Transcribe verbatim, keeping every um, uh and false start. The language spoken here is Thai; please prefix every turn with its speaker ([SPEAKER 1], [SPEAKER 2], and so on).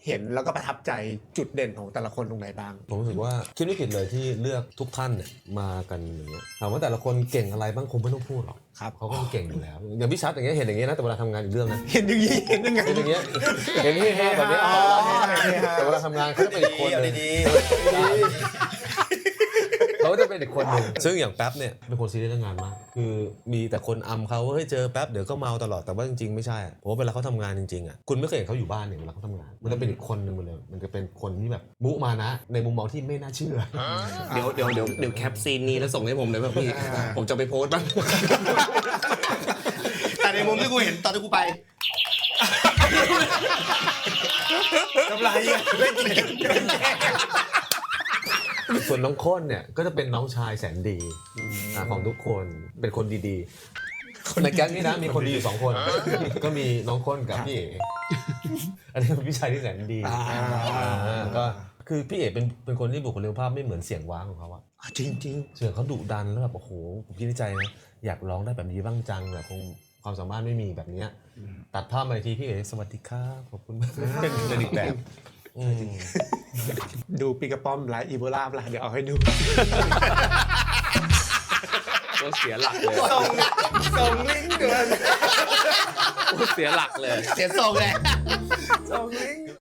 [SPEAKER 1] เห็นแล้วก็ประทับใจจุดเด่นของแต่ละคนตรงไหนบ้าง
[SPEAKER 2] ผมรู้สึกว่าคิดไม่ผิดเลยที่เลือกทุกท่านเนี่ยมากันอย่างเงี้ยถามว่าแต่ละคนเก่งอะไรบ้างคงไม่ต้องพูดหรอกครับเขาก็เก่งอยู่แล้วอย่างพี่ชัดอย่างเงี้ยเห็นอย่างเงี้ยนะแต่เวลาทำงานอีกเรื่องนะ
[SPEAKER 1] เห็นอย่างนี้เห็นยังไง
[SPEAKER 2] เห็นอย่างเงี้ยเห็นที่ห้าแบบนี้แต่เวลาทำงานเขาจะเป็นอีกคนนึงเขาจะเป็นอีกคนหนึ่งซึ่งอย่างแป๊บเนี่ยเป็นคนซีเรียสเรื่องงานมากคือมีแต่คนอำเขาว่าเฮ้ยเจอแป๊บเดี๋ยวก็เมาตลอดแต่ว่าจริงๆไม่ใช่เพราะว่าเวลาเขาทำงานจริงๆอ่ะคุณไม่เคยเห็นเขาอยู่บ้านเนี่ยเวลาเขาทำงานมันจะเป็นอีกคนหนึ่งหมดเลยมันจะเป็นคนที่แบบมุมานะในมุมมองที่ไม่น่าเชื่อ
[SPEAKER 3] เดี๋ยวเดี๋ยวเดี๋ยวเดี๋ยวแคปซีนนี้แล้วส่งให้ผมเลยป่ะพี่ผมจะไปโพสต์บ้างแต่ในมุมที่กูเห็นตอนที่กูไปกำไรเล่นเกม
[SPEAKER 2] ส่วนน้องข้นเนี่ยก็จะเป็นน้องชายแสนดีของทุกคนเป็นคนดีๆในแก๊งนี้นะมีคนดีอยู่สองคนก็มีน้องข้นกับพี่เอ๋อันนี้เป็นพี่ชายที่แสนดีก็คือพี่เอ๋เป็นเป็นคนที่บุคลิกภาพไม่เหมือนเสียงว้างของเขาอะ
[SPEAKER 1] จริง
[SPEAKER 2] ๆเสียงเขาดุดันแล้วแบบโอ้โหผมคิดในใจนะอยากร้องได้แบบนี้บ้างจังแบบคงความสามารถไม่มีแบบนี้ตัดภาพมาทีพี่เอ๋สวัสดีครับขอบคุณมากเป็นเป็นอีกแบบ
[SPEAKER 1] ดูปีกระป้อมไลฟ์อีโบลาเดี๋ยวเอาให้ดู
[SPEAKER 3] ก็เสียหลักเลย
[SPEAKER 1] ส่งส่งลิงก์ด่วน
[SPEAKER 3] เสียหลักเลย
[SPEAKER 1] เสียส่งเลยส่งลิงก์